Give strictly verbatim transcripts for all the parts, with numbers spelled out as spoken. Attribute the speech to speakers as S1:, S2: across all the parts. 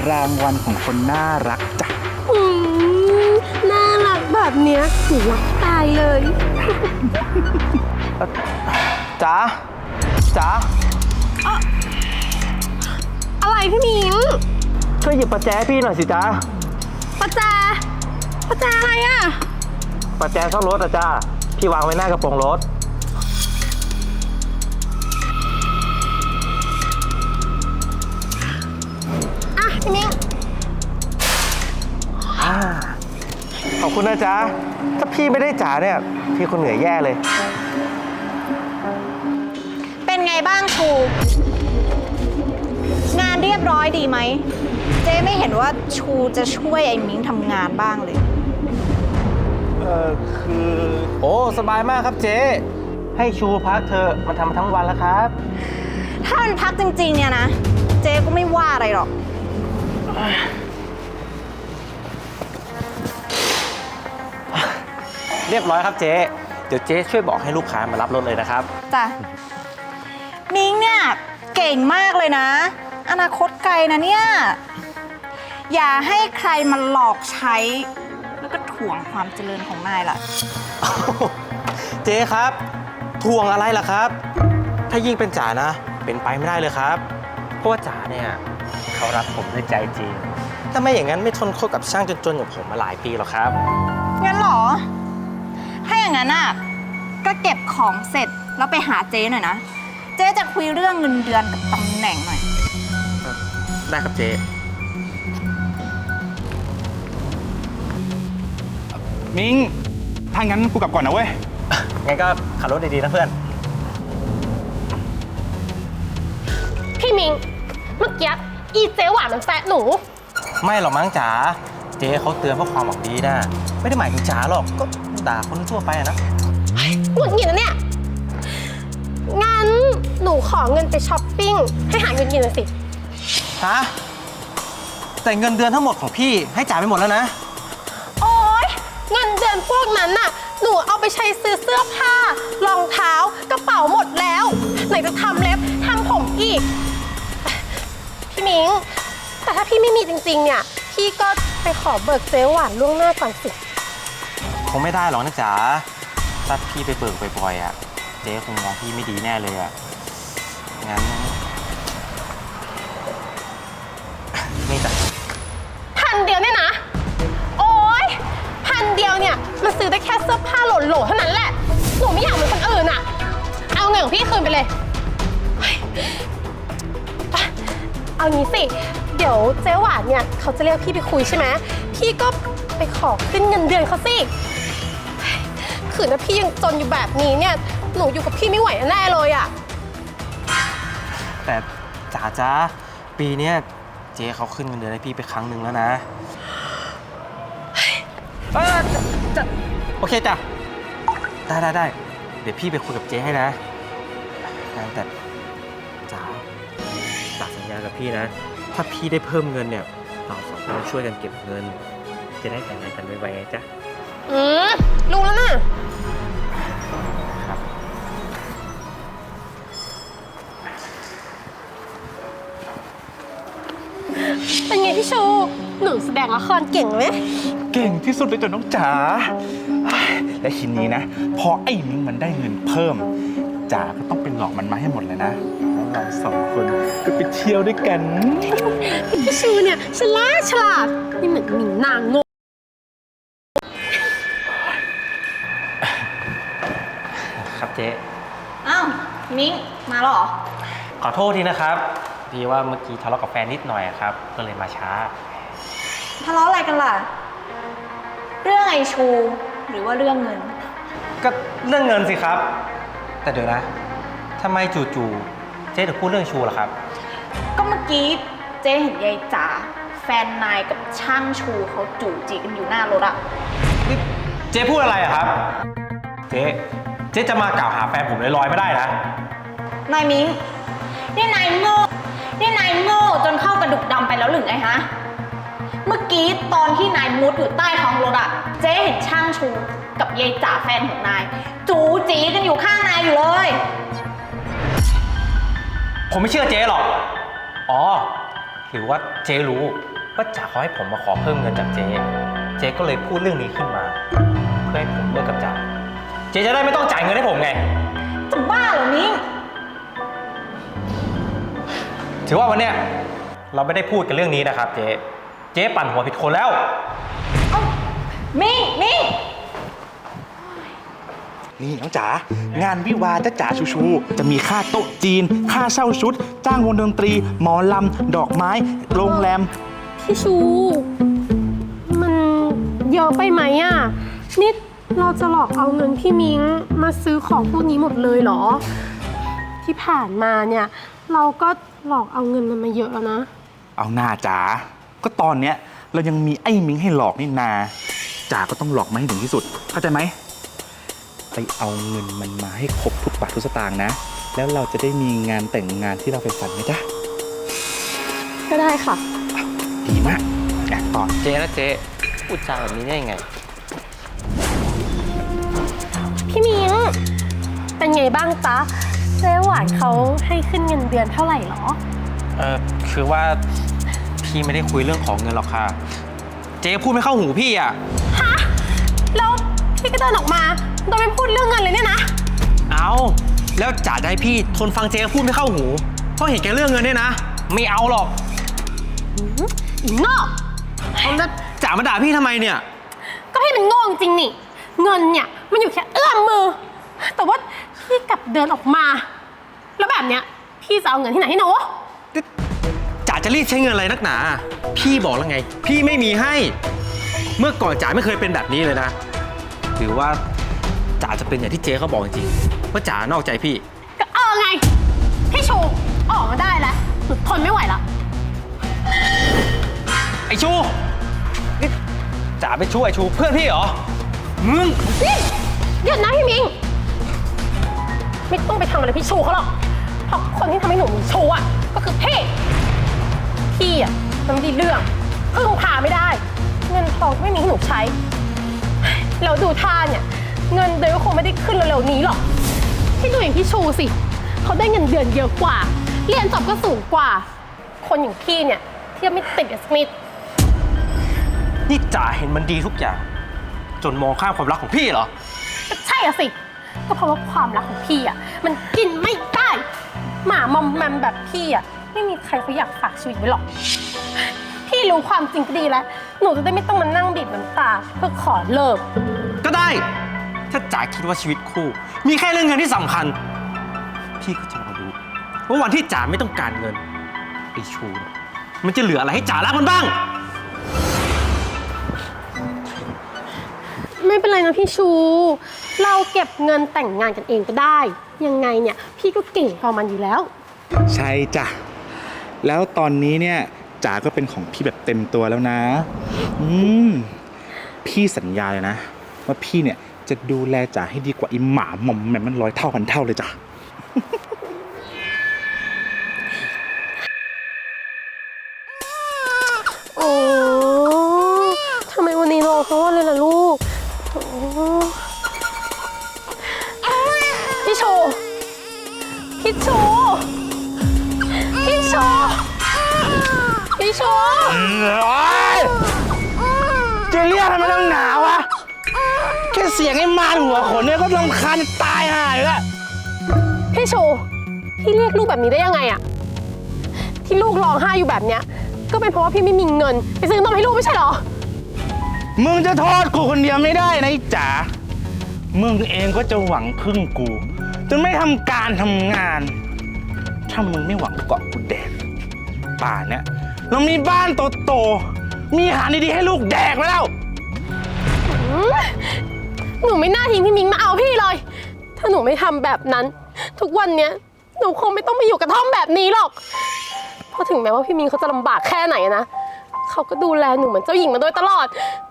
S1: รางวัลของคนน่ารักจ้ะ
S2: อืมน่ารักแบบเนี้ยหนูรักตายเลย
S1: จ๋าจ๋า
S2: อะไรพี่มิง
S1: ช่วยหยิบประแจพี่หน่อยสิจ๊ะ
S2: ประแจประแจอะไรอ่ะ
S1: ประแจซ่อมรถอะจ้าพี่วางไว้หน้ากระโปรงรถ
S2: อ่ะพี่มิง
S1: ขอบคุณนะจ๊ะถ้าพี่ไม่ได้จ๋าเนี่ยพี่คนเหนื่อยแย่เลย
S3: เป็นไงบ้างครูงานเรียบร้อยดีไหมเจ๊ไม่เห็นว่าชูจะช่วยไอ้มิ้งทำงานบ้างเลย
S1: เออคือโอ้สบายมากครับเจ๊ให้ชูพักเธอมันทำมาทั้งวันแล้วครับ
S3: ถ้ามันพักจริงๆเนี่ยนะเจ๊ก็ไม่ว่าอะไรหรอก
S1: เรียบร้อยครับเจ๊เดี๋ยวเจ๊ช่วยบอกให้ลูกค้ามารับรถเลยนะครับ
S3: จ้ะมิ้งเนี่ยเก่งมากเลยนะ อนาคตไกลนะเนี่ยอย่าให้ใครมาหลอกใช้แล้วก็ถ่วงความเจริญของนายล่ะ
S1: เจ๊ครับทวงอะไรล่ะครับ ถ้ายิ่งเป็นจ๋านะ เป็นไปไม่ได้เลยครับ เพราะว่าจ๋าเนี่ยเขารักผมด้วยใจจริง ถ้าไม่อย่างนั้นไม่ทนคบกับช่างจนๆอย่างผมมาหลายปีหรอกครับ
S3: งั้นเหรอ ถ้าอย่างนั้นอ่ะ ก็เก็บของเสร็จแล้วไปหาเจ๊หน่อยนะ เจ๊จะคุยเรื่องเงินเดือนกับตำแหน่งหน่อย
S1: ได้ครับเจ๊
S4: มิงถ้างั้นกูกลับก่อนนะเว้ย
S1: งั้นก็ขับรถดีๆนะเพื่อน
S2: พี่มิง เมื่อกี้อีเจ๊หวานมันแซะหนู
S1: ไม่หรอกมั้งจ๋า เจ๊เขาเตือนเพื่อความหวังดีนะ ไม่ได้หมายถึงจ๋าหรอก ก็ด่าคนทั่วไปอะนะ
S2: หงุดหงิดนะเนี่ย งั้นหนูขอเงินไปช้อปปิ้งให้หายหงุดหงิดหน่อยสิ
S1: ฮะ แต่เงินเดือนทั้งหมดของพี่ให้จ๋าไปหมดแล้วนะ
S2: โอ๊ย เงินเดือนพวกนั้นน่ะ หนูเอาไปใช้ซื้อเสื้อผ้ารองเท้ากระเป๋าหมดแล้ว ไหนจะทำเล็บทำผมอีก พี่มิง แต่ถ้าพี่ไม่มีจริงๆ เนี่ย พี่ก็ไปขอเบิกเจ๊หวานล่วงหน้าก่อนสิ
S1: คงไม่ได้หรอกนะจ๋า ถ้าพี่ไปเบิกบ่อยๆอ่ะ เจ๊คงมองพี่ไม่ดีแน่เลยอ่ะ งั้น นี่จ้ะ
S2: พันเดียวเนี่ยนะ โอ๊ย พันเดียวเนี่ยมันซื้อได้แค่เสื้อผ้าโหลๆเท่านั้นแหละ หนูไม่อยากเหมือนคนอื่นอะเอาเงินของพี่คืนไปเลยเฮ้ยไปเอางี้สิ เดี๋ยวเจ๊หวานเนี่ยเขาจะเรียกพี่ไปคุยใช่ไหม พี่ก็ไปขอขึ้นเงินเดือนเขาสิเฮ้ยขืนถ้าพี่ยังจนอยู่แบบนี้เนี่ย หนูอยู่กับพี่ไม่ไหวแน่เลยอะ
S1: แต่จ๋าจ้าปีเนี้ยเจ๊เขาขึ้นเงินเดือนให้พี่ไปครั้งหนึ่งแล้วนะเออจะจะโอเคจ้ะ ได้ได้ได้ เดี๋ยวพี่ไปคุยกับเจ๊ให้นะงั้นแต่จ๋าจ๋าสัญญากับพี่นะ ถ้าพี่ได้เพิ่มเงินเนี่ย เราสองคนช่วยกันเก็บเงิน จะได้แต่งงานกันไวๆไงจ๊ะ
S2: อืมรู้แล้วนะ
S1: ครับ
S2: เป็นไงพี่ชู หนูแสดงละครเก่งไหม
S4: เก่งที่สุดเลยจ้ะน้องจ๋า และทีนี้นะ พอไอ้มิงมันได้เงินเพิ่มจ๋าก็ต้องเป็นหลอกมันมาให้หมดเลยนะแล้วเราสองคนก็ไปเที่ยวด้วยกัน
S2: พี่ชูเนี่ยฉลาดฉลาดไม่เหมือนหมิงนางโง่
S1: ครับเจ๊
S3: อ้าวมิ้งมาแล้วเหรอ
S1: ขอโทษทีนะครับดีว่าเมื่อกี้ทะเลาะกับแฟนนิดหน่อยครับ ก็เลยมาช้า
S3: ทะเลาะอะไรกันล่ะ เรื่องไอชู หรือว่าเรื่องเงิน
S1: ก็เรื่องเงินสิครับ แต่เดี๋ยวนะทำไมจู่ๆเจ๊ถึงพูดเรื่องชูล่ะครับ
S3: ก็เมื่อกี้เจ๊เห็นยายจ๋าแฟนนายกับช่างชูเขาจู่จีกันอยู่หน้ารถอะ
S1: นี่เจ๊พูดอะไรอะครับ เจ๊เจ๊จะมากล่าวหาแฟนผมลอยๆไม่ได้นะ
S3: นายมิ้งนี่นายโง่นี่นายโง่จนเข้ากระดูกดำไปแล้วหรือไงฮะ เมื่อกี้ตอนที่นายมุดอยู่ใต้ท้องรถอะเจ๊เห็นช่างชูกับยายจ๋าแฟนของนาย จูจีกันอยู่ข้างนายอยู่เลย
S1: ผมไม่เชื่อเจ๊หรอก อ๋อ หรือว่าเจ๊รู้ว่าจ๋าเขาให้ผมมาขอเพิ่มเงินจากเจ๊เจ๊ก็เลยพูดเรื่องนี้ขึ้นมา เพื่อให้ผมเลิกกับจ๋าเจ๊จะได้ไม่ต้องจ่ายเงินให้ผมไง
S3: จะบ้าเหรอมิ้ง
S1: ถือว่าวันเนี้ยเราไม่ได้พูดกันเรื่องนี้นะครับเจ๊เจ๊ปั่นหัวผิดคนแล้ว
S3: เอ้ามิ้งมิ้ง
S4: นี่น้องจ๋างานวิวาห์จ้าจ๋าชูชู จะมีค่าโต๊ะจีน ค่าเช่าชุด จ้างวงดนตรี หมอลำ ดอกไม้ โรงแรม
S2: พี่ชู มันเยอะไปไหมอ่ะนี่เราจะหลอกเอาเงินพี่มิ้งมาซื้อของพวกนี้หมดเลยเหรอ ที่ผ่านมาเนี่ยเราก็หลอกเอาเงินมันมาเยอะแล้วนะ
S4: เอาหน้าจ๋าก็ตอนเนี้ยเรายังมีไอ้มิงให้หลอกนี่นาจ๋าก็ต้องหลอกมาให้ถึงที่สุด เข้าใจไหมไปเอาเงินมันมาให้ครบทุกบาททุกสตางค์นะ แล้วเราจะได้มีงานแต่งงานที่เราไปฝันไหมจ๊ะ
S2: ก็ได้ค่ะ
S4: ดีมากอยากต่อ
S1: เจ๊นะเจ๊พูดจาแบบนี้ได้ยังไง
S2: พี่มิ้งเป็นไงบ้างจ๊ะเจ๊หวานเขาให้ขึ้นเงินเดือนเท่าไหร่หรอ
S1: เออคือว่าพี่ไม่ได้คุยเรื่องของเงินหรอกค่ะ เจ๊พูดไม่เข้าหูพี่อ่ะ
S2: ฮะ แล้วพี่ก็เดินออกมาโดยไม่พูดเรื่องเงินเลยเนี่ยนะ
S1: เอาแล้วจ๋าจะให้พี่ทนฟังเจ๊พูดไม่เข้าหูเพราะเห็นแกเรื่องเงินเนี่ยนะ ไม่เอาหรอก
S2: อีโง่
S1: เอาแล้วจ๋ามาด่าพี่ทำไมเนี่ย
S2: ก็พี่เป็นโง่จริงนี่ เงินเนี่ยมันอยู่แค่เอื้อมมือ แต่ว่าพี่กลับเดินออกมา แล้วแบบเนี้ยพี่จะเอาเงินที่ไหนให้หนู
S1: จ๋าจะรีบใช้เงินอะไรนักหนา พี่บอกแล้วไง พี่ไม่มีให้ เมื่อก่อนจ๋าไม่เคยเป็นแบบนี้เลยนะ หรือว่าจ๋าจะเป็นอย่างที่เจ๊เขาบอกจริงๆว่าจ๋านอกใจพี่
S2: ก็เออไง พี่ชูออกมาได้แล้วหนูทนไม่ไหวละ
S1: ไอชูนี่จ๋าไปช่วยไอชูเพื่อนพี่เหรอ มึง
S2: นี่หยุดนะพี่มิง ไม่ต้องไปทำอะไรพี่ชูเขาหรอก เพราะคนที่ทำให้หนูมีชูอ่ะก็คือพี่ พี่อ่ะมันไม่ได้เรื่องพึ่งพาไม่ได้ เงินทองก็ไม่มีให้หนูใช้แล้วดูท่าเนี่ยเงินเดือนก็คงไม่ได้ขึ้นเร็วๆนี้หรอกพี่ดูอย่างพี่ชูสิเขาได้เงินเดือนเยอะกว่า เรียนจบก็สูงกว่า คนอย่างพี่เนี่ยเทียบไม่ติดกับสักนิด
S1: นี่จ๋าเห็นมันดีทุกอย่าง จนมองข้ามความรักของพี่เหรอ
S2: ก็ใช่อะสิ ก็เพราะว่าความรักของพี่อ่ะมันกินไม่ได้ หมามอมแมมแบบพี่อ่ะไม่มีใครเขาอยากฝากชีวิตไว้หรอก พี่รู้ความจริงก็ดีแล้ว หนูจะได้ไม่ต้องมานั่งบีบน้ำตาเพื่อขอเลิก
S1: ก็ได้ ถ้าจ๋าคิดว่าชีวิตคู่ มีแค่เรื่องเงินที่สำคัญ พี่ก็จะรอดูว่าวันที่จ๋าไม่ต้องการเงินไอชูเนี่ยมันจะเหลืออะไรให้จ๋ารักมันบ้าง
S2: ไม่เป็นไรนะพี่ชู เราเก็บเงินแต่งงานกันเองก็ได้ ยังไงเนี่ยพี่ก็เก่งพอมันอยู่แล้ว
S4: ใช่จ้ะ แล้วตอนนี้เนี่ยจ๋าก็เป็นของพี่แบบเต็มตัวแล้วนะ อืม พี่สัญญาเลยนะ ว่าพี่เนี่ยจะดูแลจ๋าให้ดีกว่าไอ้หมาหม่อมแหม่มมันร้อยเท่าพันเท่าเลยจ้ะ
S2: โอ้ทำไมวันนี้รอเขาว่าเลยล่ะลูกโอ้พี่ชู พี่ชู พี่ชู พี่ชู
S4: จะเรียกทำไมต้องหนาวะ แค่เสียงไอ้มารหัวขนเนี่ยก็รำคาญจะตายห่าอยู่แล้ว
S2: พี่ชู พี่เรียกลูกแบบนี้ได้ยังไงอะที่ลูกร้องไห้อยู่แบบเนี้ย ก็เป็นเพราะว่าพี่ไม่มีเงินไปซื้อนมให้ลูกไม่ใช่เหรอ
S4: มึงจะโทษกูคนเดียวไม่ได้นะไอ้จ๋า มึงเองก็จะหวังพึ่งกูจนไม่ทำการทำงาน ถ้ามึงไม่หวังเกาะกูแดกป่านเนี่ยเรามีบ้านโตๆ มีอาหารดีๆให้ลูกแดกมาแล้ว
S2: หนูไม่น่าทิ้งพี่มิงมาเอาพี่เลย ถ้าหนูไม่ทำแบบนั้น ทุกวันเนี้ยหนูคงไม่ต้องมาอยู่กระท่อมแบบนี้หรอก เพราะถึงแม้ว่าพี่มิงเขาจะลำบากแค่ไหนนะ เขาก็ดูแลหนูเหมือนเจ้าหญิงมาโดยตลอด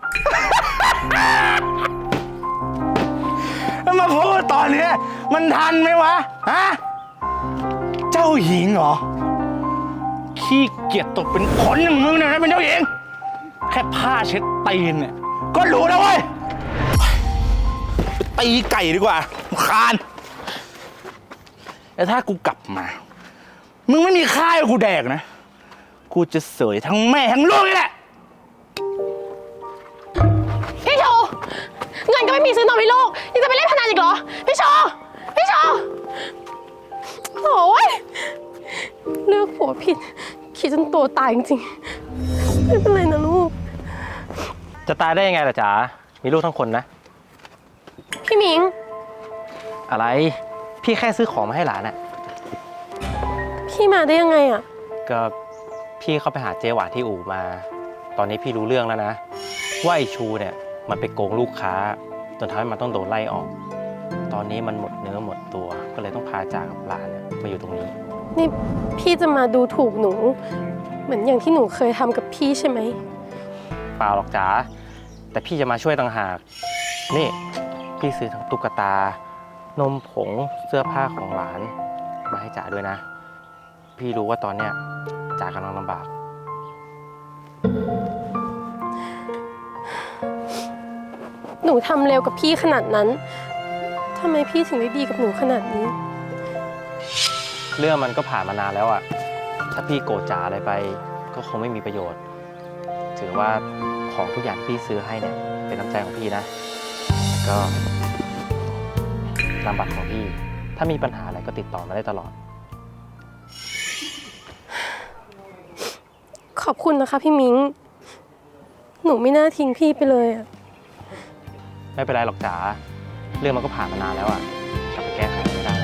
S4: แล้วมาพูดตอนนี้มันทันไหมวะ ฮะ เจ้าหญิงเหรอ ขี้เกียจตกเป็นขนอย่างมึงเนี่ยนะเป็นเจ้าหญิง แค่ผ้าเช็ดตีนเนี่ย ก็รู้แล้วเว้ยไปตีไก่ดีกว่าคานแต่ถ้ากูกลับมา มึงไม่มีข้าวให้กูแดกนะ กูจะเสยทั้งแม่ทั้งลูกนี่แหละ
S2: งินก็ไม่มีซื้อนมให้ลูกยังจะไปเล่นพนันอีกเหรอ พี่โชว์พี่โชว์โอ้ยเลือกผัวผิดคิดจนตัวตายจริงๆไม่เป็นไรนะลูก
S1: จะตายได้ยังไงล่ะจ๋า มีลูกทั้งคนนะ
S2: พี่มิง
S1: อะไร พี่แค่ซื้อของมาให้หลานน่ะ
S2: พี่มาได้ยังไงอะ
S1: ก็พี่เข้าไปหาเจ๊หวานที่อู่มา ตอนนี้พี่รู้เรื่องแล้วนะ ว่าไอชูเนี่ยมันไปโกงลูกค้าจนทำให้มันต้องโดนไล่ออก ตอนนี้มันหมดเนื้อหมดตัว ก็เลยต้องพาจ่ากับหลานเนี่ยมาอยู่ตรงนี้
S2: นี่พี่จะมาดูถูกหนู เหมือนอย่างที่หนูเคยทำกับพี่ใช่ไหม
S1: เปล่าหรอกจ๋า แต่พี่จะมาช่วยต่างหาก นี่พี่ซื้อทั้งตุ๊กตา นมผง เสื้อผ้าของหลาน มาให้จ๋าด้วยนะ พี่รู้ว่าตอนเนี้ยจ๋ากำลังลำบาก
S2: หนูทำเร็วกับพี่ขนาดนั้นทำไมพี่ถึงได้ดีกับหนูขนาดนี้
S1: เรื่องมันก็ผ่านมานานแล้วอะถ้าพี่โกรธจ๋าอะไรไป ก็คงไม่มีประโยชน์ ถือว่าของทุกอย่างที่พี่ซื้อให้เนี่ยเป็นน้ำใจของพี่นะแล้วก็นามบัตรของพี่ ถ้ามีปัญหาอะไรก็ติดต่อมาได้ตลอด
S2: ขอบคุณนะคะพี่มิง หนูไม่น่าทิ้งพี่ไปเลยอะ
S1: ไม่เป็นไรหรอกจ๋า เรื่องมันก็ผ่านมานานแล้วอะกลับไปแก้ไขไม่ได้